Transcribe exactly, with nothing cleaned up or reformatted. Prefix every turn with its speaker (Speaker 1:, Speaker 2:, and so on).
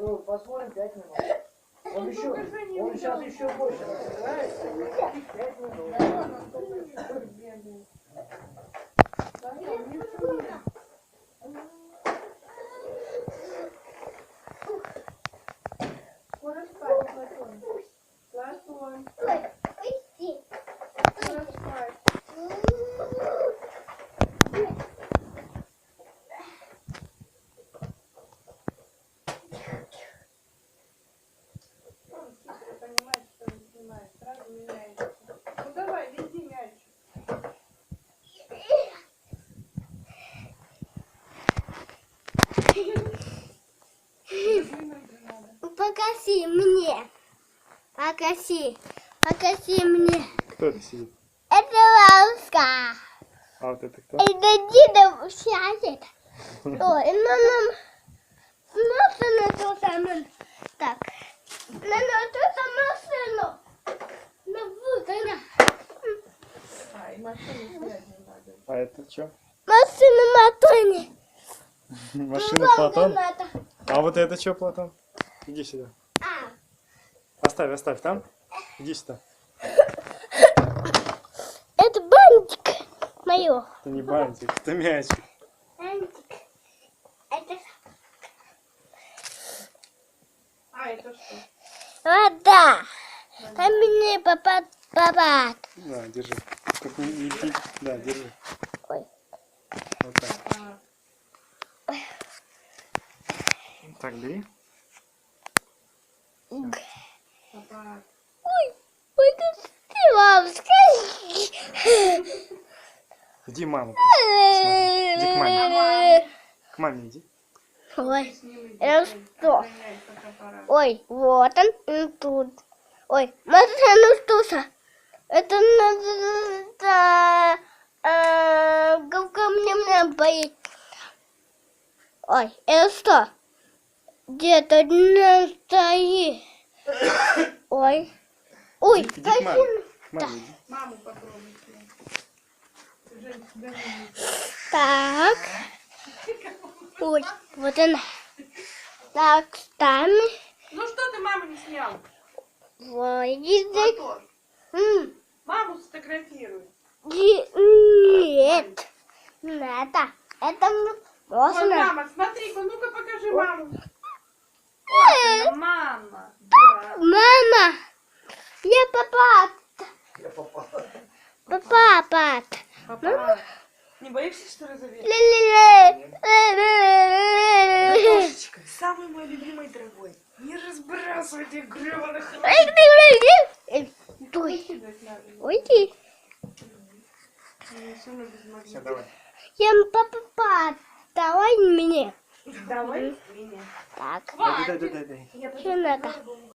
Speaker 1: Ну, посмотрим пять минут. Он еще, он сейчас еще больше разбирается. пять минут.
Speaker 2: Скоро спать, Платон. Платон. Скоро спать. Он хитро понимает, что он снимает. Сразу меняется. Ну давай, веди мячик.
Speaker 3: Покажи мне. Покажи. Покажи мне.
Speaker 4: Кто это сидит?
Speaker 3: Это ласка.
Speaker 4: А вот это кто?
Speaker 3: Это деда сядет. Ой, ну нам... Смотри на ту самую... Так. На, на ту самую машину. На вот она.
Speaker 2: А, и машину снять не надо.
Speaker 4: А это что?
Speaker 3: Машина Матони.
Speaker 4: Машина Платон? А вот это что, Платон? Иди сюда.
Speaker 3: А,
Speaker 4: Оставь, оставь там. Иди сюда.
Speaker 3: это бантик мое.
Speaker 4: Это не бантик, это мячик.
Speaker 3: Бантик. Это
Speaker 2: А, это что?
Speaker 3: вода. А мне папа, папа.
Speaker 4: На, держи. Как не, не пи- Да, держи.
Speaker 3: Ой.
Speaker 4: Вот так.
Speaker 2: А,
Speaker 4: Так, бери.
Speaker 2: папа.
Speaker 3: Ой, ой, как ты, мам, скажи.
Speaker 4: Иди маму. Смотри. Иди к маме. К маме иди.
Speaker 3: Ой,
Speaker 2: С ним иди,
Speaker 3: это
Speaker 2: ой,
Speaker 3: что?
Speaker 2: охраняй фотоаппарат.
Speaker 3: ой, вот он, он тут. Ой, машина туса. Это надо... Говка мне мне боит. Ой, это что? Где-то не стоит. Ой. Ой,
Speaker 4: Иди к маме.
Speaker 3: картина.
Speaker 4: К маме иди.
Speaker 2: Маму попробуй. Жень, тебя не видно.
Speaker 3: Так. Ой, вот она. Так, там.
Speaker 2: Ну что ты маму не снял?
Speaker 3: Ой, язык.
Speaker 2: Платон,
Speaker 3: М,
Speaker 2: маму сфотографируй.
Speaker 3: и- Нет. Это. Это м-
Speaker 2: Вон
Speaker 3: можно.
Speaker 2: мама, смотри-ка, ну-ка покажи маму. Ой, она мама. Да.
Speaker 3: Мама. Я папа.
Speaker 1: Я попал.
Speaker 3: Папа, пап.
Speaker 2: Папа, не боишься, что разовеешь?
Speaker 3: Ля-ля-ля.
Speaker 2: Самый мой любимый дорогой. Не разбрасывай этих гребаных.
Speaker 3: Ой,
Speaker 2: Кидать надо.
Speaker 3: уйди.
Speaker 2: Я всё равно без магнита.
Speaker 4: Все, давай.
Speaker 3: Я папа, давай мне.
Speaker 2: Давай меня.
Speaker 3: Так,
Speaker 4: Дай, дай, дай, дай, дай.
Speaker 2: Я
Speaker 3: что надо?